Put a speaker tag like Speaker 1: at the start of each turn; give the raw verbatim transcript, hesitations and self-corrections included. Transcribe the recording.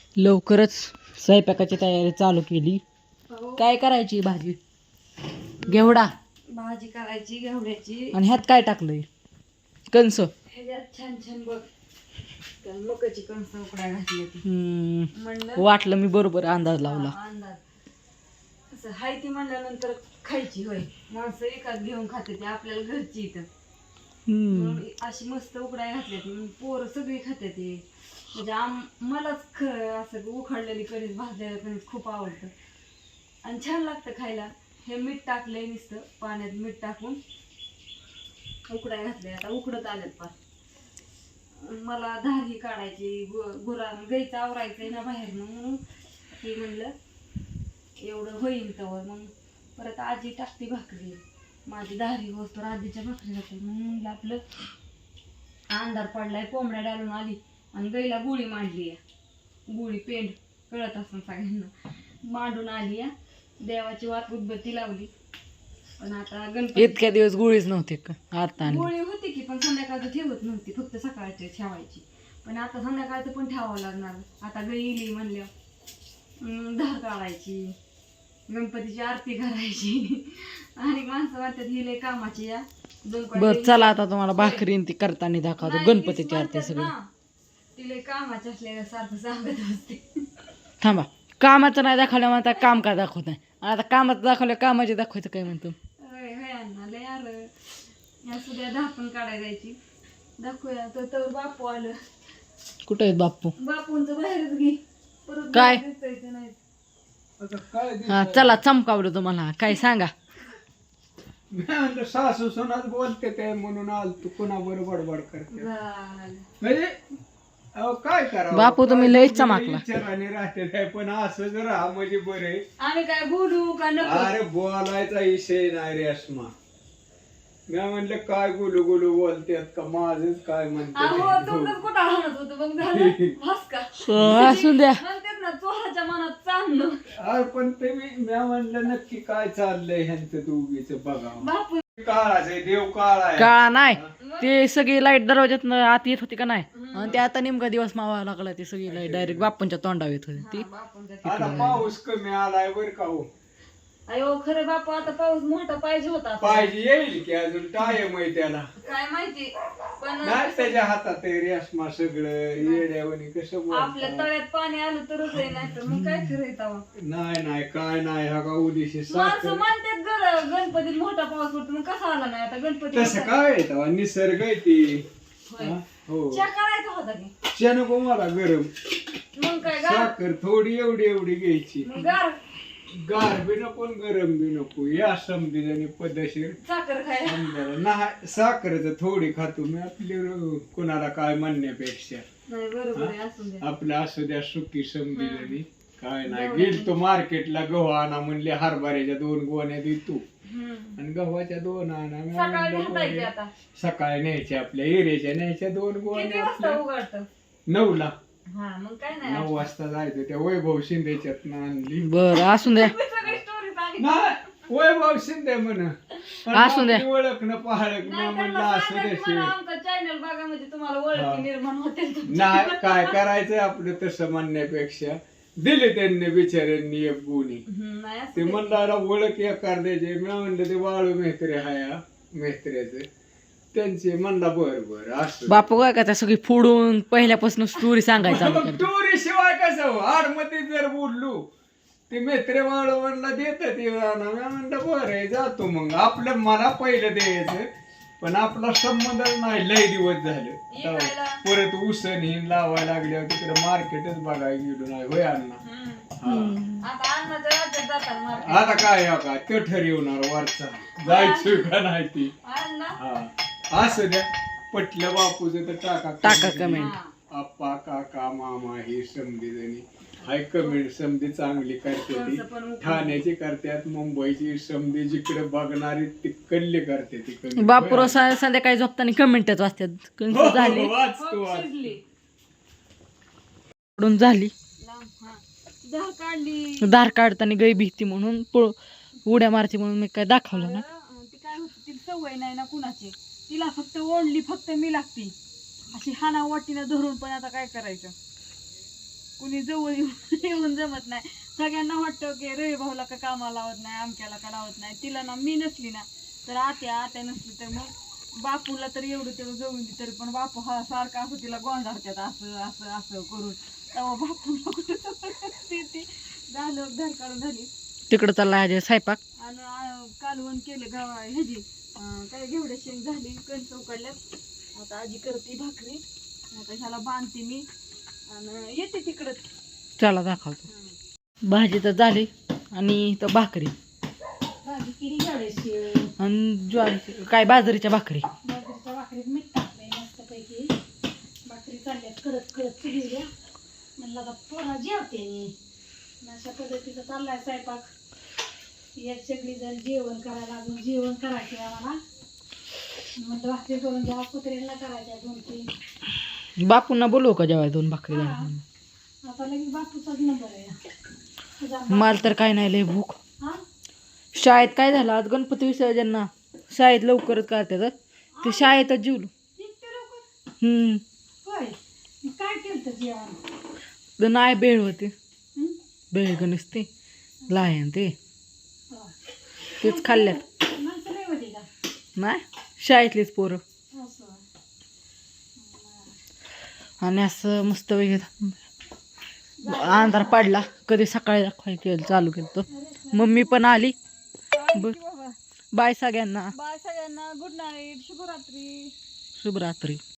Speaker 1: लवकरच स्वयंपाकाची तयारी चालू केली. काय करायची भाजी? घेवडा
Speaker 2: भाजी करायची घेवड्याची.
Speaker 1: आणि ह्यात काय टाकलंय? कणस.
Speaker 2: ह्याच्यात छान छान बघ मकाची कणस उकडाय घातली होती.
Speaker 1: हम्म वाटलं मी बरोबर अंदाज लावला.
Speaker 2: अंदाज असं हाय ती म्हणल्यानंतर खायची होय. माणसं एकाच घेऊन खाते ती आपल्याला घरची इथं.
Speaker 1: हम्म
Speaker 2: अशी मस्त उकडाय घातली ती पोरं सगळी खाते ती. म्हणजे आम मलाच ख असं उखडलेली कणीस भाजलेलं कणीस खूप आवडतं आणि छान लागतं खायला. हे मीठ टाकलंय नुसतं पाण्यात मीठ टाकून उकडाय घातलंय. आता उकडत आलेत पार. मला धारी काढायची गु गुरा गाईचं आवरायचंय ना बाहेरनं म्हणून ते म्हणलं एवढं होईन तवर. मग परत आजी टाकते भाकरी. माझी धारी होत तर आजीच्या भाकरी जाते. मग म्हणलं आपलं अंधार पडलाय कोंबड्या डालून आली आणि गाईला गुळी मांडली आहे. गुळी पेंड कळत असं सगळ्यांना मांडून आली आहे. देवाची वात उदबत्ती लावली. पण आता गणपती
Speaker 1: इतक्या दिवस गोळीच नव्हते का? आता
Speaker 2: गोळी होती की पण संध्याकाळचं ठेवत नव्हती फक्त सकाळची ठेवायची. पण आता संध्याकाळचं पण ठेवावं लागणार. आता गाई इली म्हणल्या धार काढायची गणपतीची आरती करायची आणि माणसं वाटतात ही लय कामाची या.
Speaker 1: बर चला आता तुम्हाला भाकरी ती करताना दाखवतो गणपतीची आरती सगळी.
Speaker 2: ती लय कामाची असल्या सारखं सांगत असते.
Speaker 1: थांबा कामाचं नाही दाखवलं म्हणता काम का दाखवत नाही. आता कामाचं दाखवलं कामाचे दाखवायचं काय म्हणतो.
Speaker 2: लय आलं या सुद्धा धापण काढायला जायची. दाखवूया तर तर बापू आलं.
Speaker 1: कुठं आहेत बाप्पू?
Speaker 2: बापूंचं बाहेरच घे परत
Speaker 1: काय?
Speaker 2: दिसायचं नाही.
Speaker 1: हा चला चमकावलं तुम्हाला काय सांगा.
Speaker 3: सासू सुनाच बोलते ते म्हणून आल तू कुणा बरोबर बडबड करते
Speaker 2: झालं.
Speaker 3: म्हणजे अहो काय करा
Speaker 1: बापू तुम्ही लयच चमकला.
Speaker 3: विचाराने राहते काय पण असं जर हा म्हणजे बरे.
Speaker 2: आम्ही काय बोलू का नको?
Speaker 3: अरे बोलायचा विषय नाही रे अस्मा. मी म्हणलं काय गुलू गुलू बोलतेत का माझच काय म्हणते.
Speaker 2: अहो तुमचं कुठं हणत होतं मग झालं बस का
Speaker 1: असू द्या.
Speaker 2: म्हणतात ना चोराच्या मनात चांगलं.
Speaker 3: अरे पण ते मी मी म्हणलं नक्की काय चाललंय ह्यांचं दोघीच बघा.
Speaker 2: बापू
Speaker 3: काळाच आहे देव काळा आहे.
Speaker 1: काळा नाही ते सगळी लाईट दरवाज्यात आत येत होती का नाही आणि ते आता नेमका दिवस मावा लागला. ते सगळी लाईट डायरेक्ट बाप्पांच्या तोंडावर येत होती ती.
Speaker 2: बापूंच्या
Speaker 3: आता पाऊस कमी आलाय बर का हो.
Speaker 2: अयो खरं बापू आता पाऊस मोठा पाहिजे होता.
Speaker 3: पाहिजे येईल की अजून टाइम आहे त्याला.
Speaker 2: काय माहिती पण
Speaker 3: नाही त्याच्या हातात आहे रेशमा सगळं येड्यावणी कसं
Speaker 2: आपल्या
Speaker 3: बोलतात.
Speaker 2: तळ्यात पाणी आलं तरच आहे नाही तर मग काय खरं येतं.
Speaker 3: नाही नाही काय नाही हा का उदिशी
Speaker 2: माणसं म्हणतात गर गणपतीत मोठा पाऊस पडतो मग कसा आला नाही आता गणपती.
Speaker 3: तसं काय आहे तेव्हा निसर्ग आहे ती.
Speaker 2: होय.
Speaker 3: हा? हो
Speaker 2: चहा करायचा होता की
Speaker 3: चहा नको मला गरम.
Speaker 2: मग काय गार
Speaker 3: साखर थोडी एवढी एवढी घ्यायची.
Speaker 2: मग गार
Speaker 3: गार बी नको आणि गरम बी नको या समजेने पद्धतशीर.
Speaker 2: साखर खायला
Speaker 3: समजायला नाही साखरच थोडी खातो मी आपली र- कोणाला काय म्हणण्यापेक्षा.
Speaker 2: नाही बरोबर आहे असू द्या.
Speaker 3: आपलं असू द्या सुखी समजेने काय नाही. गेल तो मार्केटला गहू आणा म्हणले हरभऱ्याच्या दोन गोण्या देतो
Speaker 2: हम्म.
Speaker 3: आणि गव्हाच्या दोन आणा. मी
Speaker 2: सकाळी
Speaker 3: म्हणलं
Speaker 2: हातायचे
Speaker 3: बरं.
Speaker 2: आता
Speaker 3: सकाळी न्यायच्या आपल्या एरेच्या न्यायच्या दोन
Speaker 2: किती
Speaker 3: गोण्या
Speaker 2: वाजता
Speaker 3: आपल्या
Speaker 2: उघडतं?
Speaker 3: नऊ ला
Speaker 2: हा मग काय नाही
Speaker 3: नऊ वाजता जायचं त्या वैभव शिंदेच्यात आणली.
Speaker 1: बर असू द्या.
Speaker 2: तुम्ही सगळी स्टोरी सांगितली.
Speaker 3: नाही वैभव शिंदे म्हण
Speaker 1: असू द्या.
Speaker 3: ओळख न पाहळक मी
Speaker 2: नाही
Speaker 3: म्हणलं
Speaker 2: त्यांना
Speaker 3: असू
Speaker 2: सांगा
Speaker 3: द्या
Speaker 2: की मला
Speaker 3: शिव.
Speaker 2: आमचा चॅनल बघा म्हणजे तुम्हाला ओळखी
Speaker 3: हा.
Speaker 2: निर्माण होते.
Speaker 3: नाही काय करायचंय आपलं तसं म्हणण्यापेक्षा दिले त्यांनी बिचाऱ्यांनी एक गुणी.
Speaker 2: हम्म, नाही असू
Speaker 3: ते
Speaker 2: दे.
Speaker 3: म्हणला ओळख एकार द्यायचे. मी म्हणलं ते वाळू मेहत्रे हाया मेहत्र्याचे त्यांचे म्हणला बर बर असं.
Speaker 1: बापू काय का त्या सगळी फोडून पहिल्यापासून स्टोरी सांगायचा चालू करतो.
Speaker 3: टोरी शिवाय कसं हो आड मध्ये जर बोललो ते मेत्रे वाळू म्हणला देतात मी म्हणलं बरं आहे जातो मग. आपलं मला पहिलं द्यायचं पण आपला संबंध नाही लय दिवस झाले.
Speaker 2: इकायला.
Speaker 3: परत उसण हिन लावायला लागल्यावर तिकडे मार्केटच बघायला गेलो नाही होय अण्णा.
Speaker 2: हम्म. आता अन्नाच्या राज्यात जातात मार्केट.
Speaker 3: आता काय हो का ते ठरवणार वरचा जायचं का नाही ती.
Speaker 2: अण्णा
Speaker 3: हा असं द्या पटलं बापूचं तर टाका
Speaker 1: टाका कमेंट.
Speaker 2: हा.
Speaker 3: आप्पा काका मामा हे समधी जणी हाय कमेंट समधी चांगली करते ती.
Speaker 2: कोणचं पण उपयोग.
Speaker 3: ठाण्याची करतात मुंबईची समधी जिकडे बघणारी तिकडली करते ती comment.
Speaker 1: बापू
Speaker 3: होय.
Speaker 1: रोज संध्याकाळी झोपताना कमेंटच वाचतात.
Speaker 3: हो,
Speaker 1: कंस
Speaker 3: हो,
Speaker 1: झाली
Speaker 3: वाच तू
Speaker 2: हो,
Speaker 3: वाच.
Speaker 2: शिजली.
Speaker 1: पडून झाली.
Speaker 2: लांब, हा. धार काढली.
Speaker 1: दार काढताना गाय भीती म्हणून पळ उड्या मारते म्हणून मी काय दाखवलं ना.
Speaker 2: अं, ती काय होती तिला सवय नाही ना कुणाची. तिला फक्त ओढली फक्त मी लागती अशी हाना वाटीनं धरून पण आता काय करायचं. कुणी जवळ येऊन येऊन जमत नाही. सगळ्यांना वाटतं की रवी भाऊला का कामाला लावत नाही, आमच्याला का लावत नाही. तिला ना मी नसली ना तर आत्या आत्या नसली तर मग बापूला तर एवढं तेवढं जवळ तरी पण बापू हा सारखा असं तिला गोंधाळतात असं असं असं करून. तेव्हा बापूला कुठं ती झालं घर काढून झाली
Speaker 1: तिकडं चालला आहे स्वयंपाक.
Speaker 2: आणि आ- कालवण केलं गावा ह्याची अं, काय घेवड्या शेंग झाली, कणसं उकडल्यात. आता आजी करते भाकरी. आता ह्याला बांधते मी आणि येते तिकडं.
Speaker 1: चला दाखवतो. भाजी तर झाली आणि तर भाकरी
Speaker 2: भाजी केली घेवड्याची,
Speaker 1: आणि ज्वारीची काय बाजरीच्या भाकरी.
Speaker 2: बाजरीच्या भाकरीत मीठ टाकलंय मस्तपैकी. भाकरी चालल्यात कडक कडक चुलील्या. म्हणलं आता पोरा जेवते मी. अशा पद्धतीचा चाललाय स्वयंपाक. एक सगळी जण जेवण करायला लागून जेवण करायचे आम्हाला. म्हणलं भाकरी करून घ्या, कुत्र्यांना करायच्या दोन तीन.
Speaker 1: बापूंना बोलवू का जेवाय दोन भाकरी
Speaker 2: हा.
Speaker 1: झाल्या.
Speaker 2: आता लगेच बापूचाच नंबर आहे. तुझा
Speaker 1: मला तर काय नाही लय भूक.
Speaker 2: हा?
Speaker 1: शाळेत काय झालं आज गणपती विसर्जनना शाळेत लवकरच करतात. ते शाळेतच जेवलो.
Speaker 2: इतक्या लवकर?
Speaker 1: हम्म
Speaker 2: होय. मग काय केलं जेवण?
Speaker 1: तर नाही बेळ होते.
Speaker 2: हं?
Speaker 1: बेळ गणेश ते लायन ते
Speaker 2: हो.
Speaker 1: तेच खाल्ल्यात.
Speaker 2: माणसं नाही होती का?
Speaker 1: नाही शाळेतलीच पोरं.
Speaker 2: असं.
Speaker 1: आणि असं मस्त वगैरे अंधार पडला. कधी सकाळी दाखवायचं चालू केलं तर मम्मी पण आली. बर
Speaker 2: बाबा
Speaker 1: बाय सगळ्यांना.
Speaker 2: बाय सगळ्यांना. Good night. शुभरात्री.
Speaker 1: शुभरात्री.